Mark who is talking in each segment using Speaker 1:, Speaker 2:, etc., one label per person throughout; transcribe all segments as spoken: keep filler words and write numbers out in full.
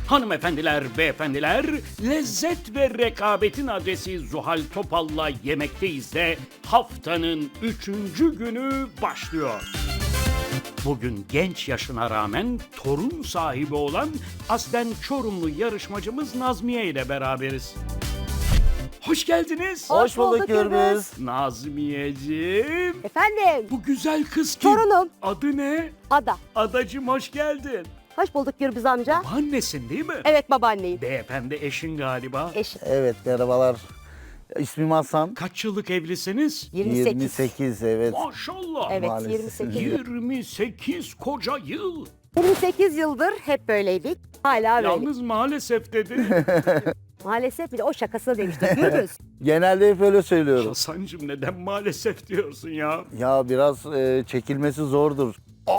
Speaker 1: Hanımefendiler, beyefendiler, lezzet ve rekabetin adresi Zuhal Topal'la Yemekteyiz de haftanın üçüncü günü başlıyor. Bugün genç yaşına rağmen torun sahibi olan aslen Çorumlu yarışmacımız Nazmiye ile beraberiz. Hoş geldiniz.
Speaker 2: Hoş bulduk Gürbüz.
Speaker 1: Nazmiyeciğim.
Speaker 2: Efendim,
Speaker 1: Bu güzel kız kim?
Speaker 2: Torunum.
Speaker 1: Adı ne?
Speaker 2: Ada.
Speaker 1: Adacığım hoş geldin.
Speaker 2: Hoş bulduk Gürbüz amca.
Speaker 1: Annesin değil mi?
Speaker 2: Evet, babaanneyim.
Speaker 1: Beyefendi eşin galiba.
Speaker 2: Eşim.
Speaker 3: Evet, merhabalar. İsmim Hasan.
Speaker 1: Kaç yıllık evlisiniz?
Speaker 2: yirmi sekiz.
Speaker 3: yirmi sekiz, evet.
Speaker 1: Maşallah.
Speaker 2: Evet,
Speaker 3: Maalesef.
Speaker 2: yirmi sekiz. yıl.
Speaker 1: yirmi sekiz koca yıl.
Speaker 2: yirmi sekiz yıldır hep böyleydik. Hala böyle.
Speaker 1: Yalnız maalesef dedi.
Speaker 2: Maalesef bile o şakasını demiştim Gürbüz.
Speaker 3: Genelde hep öyle söylüyorum.
Speaker 1: Hasancığım neden maalesef diyorsun ya?
Speaker 3: Ya biraz e, çekilmesi zordur.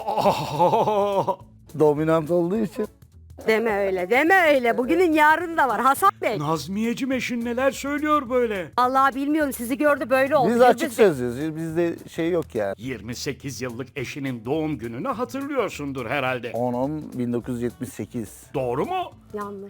Speaker 1: Aa!
Speaker 3: Dominant olduğu için.
Speaker 2: Deme öyle, deme öyle. Bugünün yarın da var Hasan Bey.
Speaker 1: Nazmiyeciğim eşin neler söylüyor böyle?
Speaker 2: Allah bilmiyorum, sizi gördü böyle oldu.
Speaker 3: Biz
Speaker 2: Gürbüz
Speaker 3: açık
Speaker 2: Bey.
Speaker 3: sözlüyüz. Bizde şey yok yani.
Speaker 1: yirmi sekiz yıllık eşinin doğum gününü hatırlıyorsundur herhalde.
Speaker 3: on on bin dokuz yüz yetmiş sekiz.
Speaker 1: Doğru mu?
Speaker 2: Yanlış.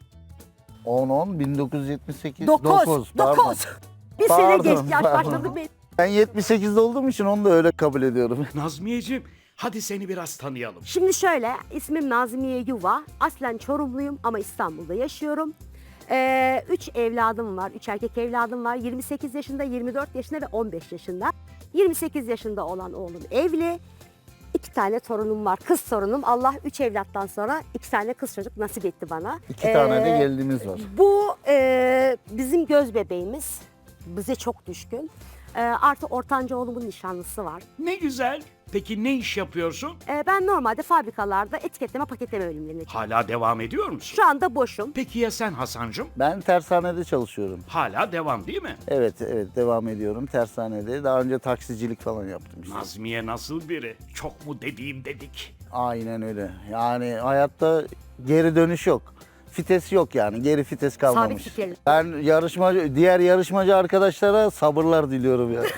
Speaker 3: on on bin dokuz yüz yetmiş sekiz.
Speaker 2: Dokuz.
Speaker 3: pardon.
Speaker 2: Dokuz. Bir sene
Speaker 3: Pardon,
Speaker 2: geçti, yaş
Speaker 3: pardon.
Speaker 2: başladı benim.
Speaker 3: Ben yetmiş sekizde olduğum için onu da öyle kabul ediyorum.
Speaker 1: Nazmiyeciğim hadi seni biraz tanıyalım.
Speaker 2: Şimdi şöyle, ismim Nazmiye Yuva. Aslen Çorumluyum ama İstanbul'da yaşıyorum. Ee, üç evladım var, üç erkek evladım var. yirmi sekiz yaşında, yirmi dört yaşında ve on beş yaşında. yirmi sekiz yaşında olan oğlum evli. İki tane torunum var, kız torunum. Allah üç evlattan sonra iki tane kız çocuk nasip etti bana.
Speaker 3: İki tane de
Speaker 2: Ee,
Speaker 3: gelinimiz var.
Speaker 2: Bu e, bizim göz bebeğimiz. Bize çok düşkün. E, artı ortanca oğlumun nişanlısı var.
Speaker 1: Ne güzel. Peki ne iş yapıyorsun?
Speaker 2: E, ben normalde fabrikalarda etiketleme, paketleme bölümlerinde çalışıyorum.
Speaker 1: Hala devam ediyor musun?
Speaker 2: Şu anda boşum.
Speaker 1: Peki ya sen Hasancığım?
Speaker 3: Ben tersanede çalışıyorum.
Speaker 1: Hala devam değil mi?
Speaker 3: Evet, evet devam ediyorum tersanede. Daha önce taksicilik falan yaptım işte.
Speaker 1: Nazmiye nasıl biri? Çok mu dediğim dedik.
Speaker 3: Aynen öyle. Yani hayatta geri dönüş yok. Fites yok yani. Geri fites kalmamış.
Speaker 2: Sabit fikirli.
Speaker 3: Ben yarışmacı, diğer yarışmacı arkadaşlara sabırlar diliyorum ya.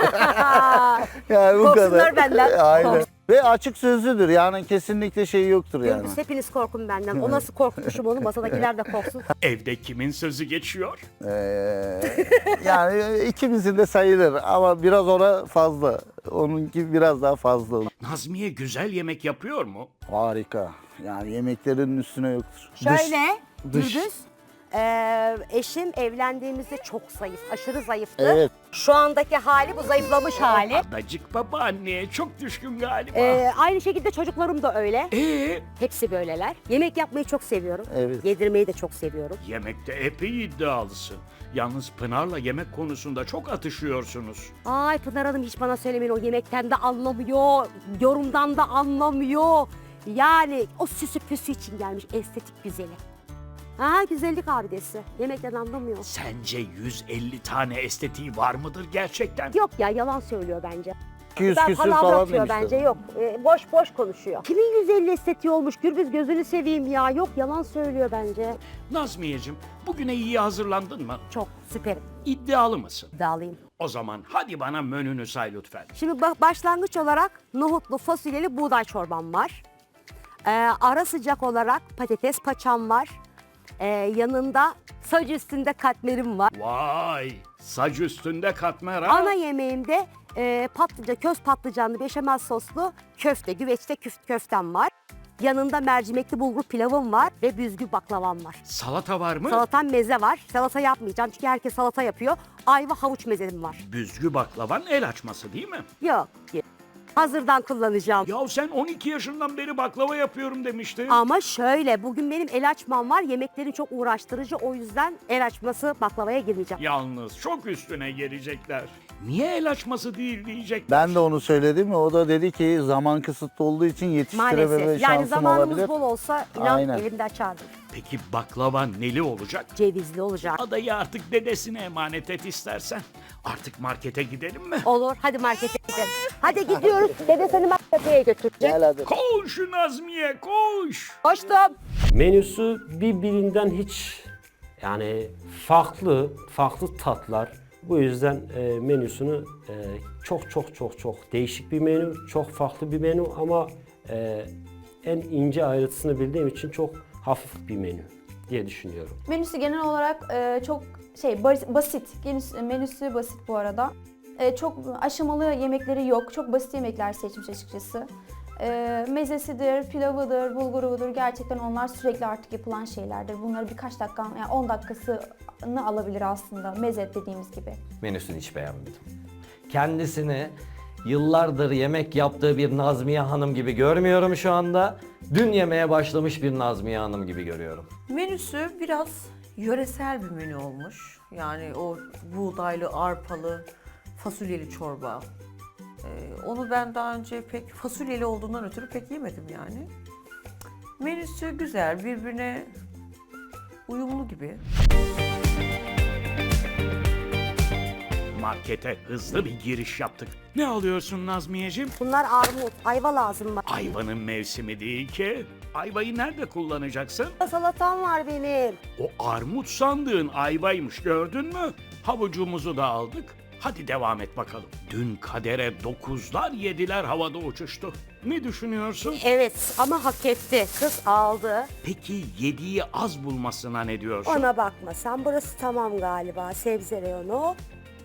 Speaker 3: Yani bu
Speaker 2: Korksunlar
Speaker 3: kadar.
Speaker 2: benden.
Speaker 3: Aynen.
Speaker 2: Korksun.
Speaker 3: Ve açık sözlüdür. Yani kesinlikle şeyi yoktur yani.
Speaker 2: Gürbüz, hepiniz korkun benden. O nasıl korkmuşum onu, masadakiler de korksun.
Speaker 1: Evde kimin sözü geçiyor?
Speaker 3: Ee, yani ikimizin de sayılır ama biraz ona fazla. Onunki biraz daha fazla.
Speaker 1: Nazmiye güzel yemek yapıyor mu?
Speaker 3: Harika. Yani yemeklerin üstüne yoktur.
Speaker 2: Şöyle,
Speaker 3: dış.
Speaker 2: Gürbüz, e, eşim evlendiğimizde çok zayıf, aşırı zayıftı.
Speaker 3: Evet.
Speaker 2: Şu andaki hali bu zayıflamış hali.
Speaker 1: Adacık babaanneye çok düşkün galiba.
Speaker 2: E, aynı şekilde çocuklarım da öyle.
Speaker 1: Ee,
Speaker 2: Hepsi böyleler. Yemek yapmayı çok seviyorum.
Speaker 3: Evet.
Speaker 2: Yedirmeyi de çok seviyorum.
Speaker 1: yemekte epey iddialısın. Yalnız Pınar'la yemek konusunda çok atışıyorsunuz.
Speaker 2: Ay Pınar Hanım hiç bana söylemeyin, o yemekten de anlamıyor, yorumdan da anlamıyor. Yani o süsü püsü için gelmiş estetik güzeli. Ha, güzellik abidesi. Yemekten anlamıyor.
Speaker 1: Sence yüz elli tane estetiği var mıdır gerçekten?
Speaker 2: Yok ya, yalan söylüyor bence.
Speaker 3: iki yüz
Speaker 2: Ben
Speaker 3: küsür
Speaker 2: palavra
Speaker 3: falan
Speaker 2: atıyor
Speaker 3: demişler.
Speaker 2: bence, yok. Ee, boş boş konuşuyor. Kimin yüz elli estetiği olmuş Gürbüz, gözünü seveyim ya. Yok, yalan söylüyor bence.
Speaker 1: Nazmiyeciğim bugüne iyi hazırlandın mı?
Speaker 2: Çok süperim.
Speaker 1: İddialı mısın?
Speaker 2: İddialıyım.
Speaker 1: O zaman hadi bana menünü say lütfen.
Speaker 2: Şimdi ba- başlangıç olarak nohutlu fasulyeli buğday çorbam var. Ee, ara sıcak olarak patates paçam var. Ee, yanında saç üstünde katmerim var.
Speaker 1: Vay! Saç üstünde katmer ha?
Speaker 2: Ana yemeğimde e, patlıcan, köz patlıcanlı beşamel soslu köfte, güveçte küf, köftem var. Yanında mercimekli bulgur pilavım var ve büzgü baklavam var.
Speaker 1: Salata var mı?
Speaker 2: Salatam meze var. Salata yapmayacağım çünkü herkes salata yapıyor. Ayva havuç mezem var.
Speaker 1: Büzgü baklavan el açması değil mi?
Speaker 2: Yok. Hazırdan kullanacağım.
Speaker 1: Ya sen on iki yaşından beri baklava yapıyorum demiştin.
Speaker 2: Ama şöyle, bugün benim el açmam var. Yemeklerin çok uğraştırıcı, o yüzden el açması baklavaya girmeyeceğim.
Speaker 1: Yalnız çok üstüne gelecekler. Niye el açması değil diyecekler.
Speaker 3: Ben de onu söyledim. O da dedi ki zaman kısıtlı olduğu için yetiştirememe
Speaker 2: Maalesef. Yani
Speaker 3: şansım
Speaker 2: zamanımız
Speaker 3: olabilir.
Speaker 2: bol olsa inan
Speaker 3: Aynen.
Speaker 2: elimde açardım.
Speaker 1: Peki baklava neli olacak?
Speaker 2: Cevizli olacak.
Speaker 1: Adayı artık dedesine emanet et istersen. Artık markete gidelim mi?
Speaker 2: Olur, hadi markete gidelim. Hadi gidiyoruz. Dede seni markete götürecek.
Speaker 3: Gel hadi.
Speaker 1: Koş Nazmiye koş.
Speaker 2: Koştum.
Speaker 4: Menüsü birbirinden hiç yani farklı, farklı tatlar. Bu yüzden e, menüsünü e, çok çok çok çok değişik bir menü, çok farklı bir menü ama e, en ince ayrıntısını bildiğim için çok hafif bir menü. diye düşünüyorum.
Speaker 5: Menüsü genel olarak e, çok şey bas- basit. Menüsü, menüsü basit bu arada. E, çok aşamalı yemekleri yok. Çok basit yemekler seçmiş açıkçası. E, mezesidir, pilavıdır, bulgurudur. Gerçekten onlar sürekli artık yapılan şeylerdir. Bunları birkaç dakika, yani on dakikasını alabilir aslında mezet dediğimiz gibi.
Speaker 6: Menüsünü hiç beğenmedim. Kendisini yıllardır yemek yaptığı bir Nazmiye Hanım gibi görmüyorum şu anda. Dün yemeye başlamış bir Nazmiye Hanım gibi görüyorum.
Speaker 7: Menüsü biraz yöresel bir menü olmuş. Yani o buğdaylı, arpalı, fasulyeli çorba. Ee, onu ben daha önce pek fasulyeli olduğundan ötürü pek yemedim yani. Menüsü güzel, birbirine uyumlu gibi.
Speaker 1: Markete hızlı bir giriş yaptık. Ne alıyorsun Nazmiyeciğim?
Speaker 2: Bunlar armut, ayva lazım bana.
Speaker 1: Ayvanın mevsimi değil ki. Ayvayı nerede kullanacaksın?
Speaker 2: Salatam var benim.
Speaker 1: O armut sandığın ayvaymış, gördün mü? Havucumuzu da aldık. Hadi devam et bakalım. Dün kadere dokuzlar yediler, havada uçuştu. Ne düşünüyorsun?
Speaker 2: Evet ama hak etti. Kız aldı.
Speaker 1: Peki yediği az bulmasına ne diyorsun?
Speaker 2: Ona bakma sen, burası tamam galiba, sebze reyonu.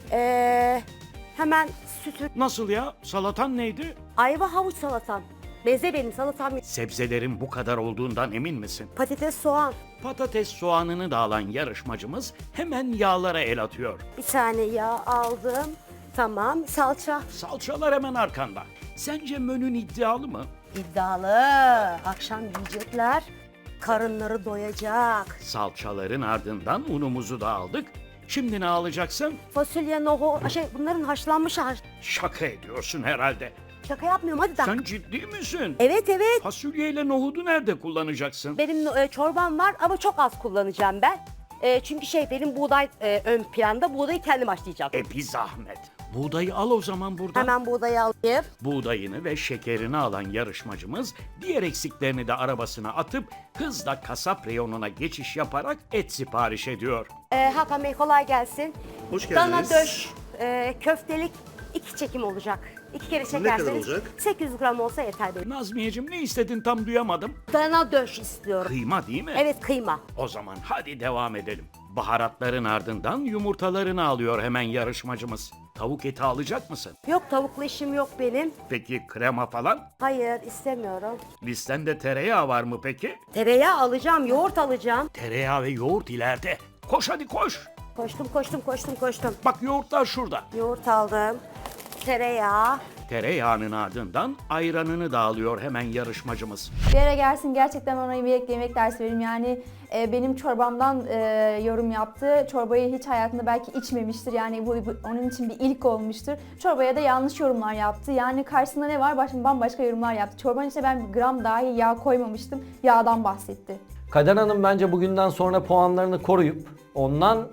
Speaker 2: Ee, hemen sütü,
Speaker 1: Nasıl ya? Salatan neydi?
Speaker 2: ayva havuç salatam. Meze benim salatam.
Speaker 1: Sebzelerin bu kadar olduğundan emin misin?
Speaker 2: Patates, soğan.
Speaker 1: Patates soğanını da alan yarışmacımız hemen yağlara el atıyor.
Speaker 2: Bir tane yağ aldım. Tamam, salça.
Speaker 1: Salçalar hemen arkanda. Sence menün iddialı mı?
Speaker 2: İddialı. Akşam yiyecekler. Karınları doyacak.
Speaker 1: Salçaların ardından unumuzu da aldık. Şimdi ne alacaksın?
Speaker 2: Fasulye, nohut, şey bunların haşlanmış haş.
Speaker 1: Şaka ediyorsun herhalde.
Speaker 2: Şaka yapmıyorum, hadi da.
Speaker 1: Sen ciddi misin?
Speaker 2: Evet evet.
Speaker 1: Fasulyeyle nohudu nerede kullanacaksın?
Speaker 2: Benim e, çorbam var ama çok az kullanacağım ben. E, çünkü şey benim buğday e, ön planda. Buğdayı kendim haşlayacağım.
Speaker 1: E bir zahmet. Buğdayı al o zaman buradan.
Speaker 2: Hemen buğdayı alayım.
Speaker 1: Buğdayını ve şekerini alan yarışmacımız diğer eksiklerini de arabasına atıp hızla kasap reyonuna geçiş yaparak et sipariş ediyor.
Speaker 2: E, Hakan Bey kolay gelsin.
Speaker 8: Hoş
Speaker 2: Dana
Speaker 8: geldiniz.
Speaker 2: döş, e, köftelik iki çekim olacak. İki kere çekerseniz
Speaker 8: kadar olacak?
Speaker 2: sekiz yüz gram olsa yeter benim.
Speaker 1: Nazmiyeciğim ne istedin tam duyamadım.
Speaker 2: Dana döş istiyorum.
Speaker 1: Kıyma değil mi?
Speaker 2: Evet, kıyma.
Speaker 1: O zaman hadi devam edelim. Baharatların ardından yumurtalarını alıyor hemen yarışmacımız. Tavuk eti alacak mısın?
Speaker 2: Yok, tavuklu işim yok benim.
Speaker 1: Peki krema falan?
Speaker 2: Hayır, istemiyorum.
Speaker 1: Listende tereyağı var mı peki?
Speaker 2: Tereyağı alacağım, yoğurt alacağım.
Speaker 1: Tereyağı ve yoğurt ileride. Koş hadi koş.
Speaker 2: Koştum, koştum, koştum, koştum.
Speaker 1: Bak yoğurtlar şurada.
Speaker 2: Yoğurt aldım. Tereyağı.
Speaker 1: Tereyağının ardından ayranını da alıyor hemen yarışmacımız.
Speaker 5: Bir ara gelsin gerçekten ona birlikte yemek dersi verim. Yani e, benim çorbamdan e, yorum yaptı. Çorbayı hiç hayatında belki içmemiştir. Yani bu, bu onun için bir ilk olmuştur. Çorbaya da yanlış yorumlar yaptı. Yani karşısında ne var? Başka bambaşka yorumlar yaptı. Çorbanın içine ben bir gram dahi yağ koymamıştım. Yağdan bahsetti.
Speaker 6: Kader Hanım bence bugünden sonra puanlarını koruyup ondan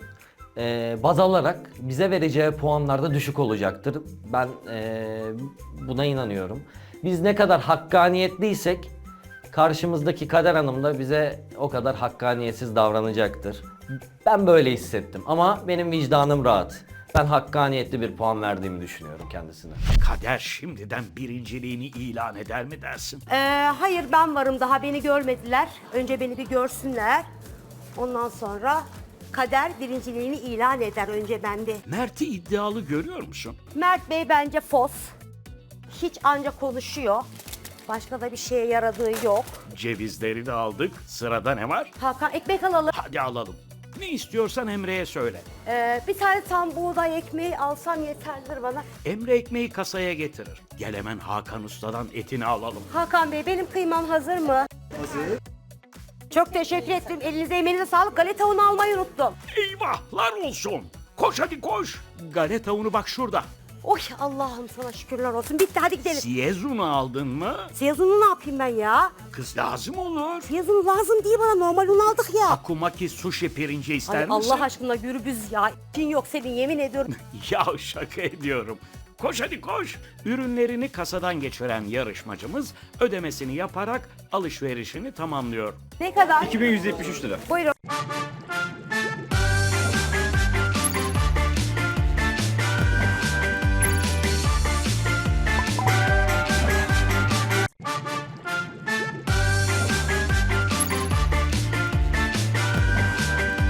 Speaker 6: e, baz alarak bize vereceği puanlar da düşük olacaktır. Ben e, buna inanıyorum. Biz ne kadar hakkaniyetliysek karşımızdaki Kader Hanım da bize o kadar hakkaniyetsiz davranacaktır. Ben böyle hissettim ama benim vicdanım rahat. Ben hakkaniyetli bir puan verdiğimi düşünüyorum kendisine.
Speaker 1: Kader şimdiden birinciliğini ilan eder mi dersin?
Speaker 2: Ee, hayır, ben varım, daha beni görmediler. Önce beni bir görsünler. Ondan sonra kader birinciliğini ilan eder, önce bende.
Speaker 1: Mert'i iddialı görüyor musun?
Speaker 2: Mert Bey bence fos. Hiç anca konuşuyor. Başka da bir şeye yaradığı yok.
Speaker 1: Cevizleri de aldık. Sırada ne var?
Speaker 2: Hakan, ekmek alalım.
Speaker 1: Hadi alalım. Ne istiyorsan Emre'ye söyle.
Speaker 2: Ee, bir tane tam buğday ekmeği alsam yeterlidir bana.
Speaker 1: Emre ekmeği kasaya getirir. Gel hemen Hakan Usta'dan etini alalım.
Speaker 2: Hakan Bey, benim kıymam hazır mı?
Speaker 8: Hazır.
Speaker 2: Çok teşekkür ettim. Elinize emeğinize sağlık. Galeta unu almayı unuttum.
Speaker 1: Eyvahlar olsun. Koş hadi koş. Galeta unu bak şurada.
Speaker 2: Oy, Allah'ım sana şükürler olsun. Bitti, hadi gidelim.
Speaker 1: Siyez unu aldın mı?
Speaker 2: Siyaz unu ne yapayım ben ya?
Speaker 1: Kız lazım olur.
Speaker 2: Siyaz unu lazım değil bana. Normal un aldık ya.
Speaker 1: Akumaki sushi pirinci ister
Speaker 2: Ay,
Speaker 1: misin?
Speaker 2: Allah aşkına gürbüz ya. İçin yok senin, yemin ediyorum.
Speaker 1: Ya şaka ediyorum. Koş hadi koş. Ürünlerini kasadan geçiren yarışmacımız ödemesini yaparak alışverişini tamamlıyor.
Speaker 2: Ne kadar?
Speaker 8: iki bin yüz yetmiş üç lira.
Speaker 2: Buyurun.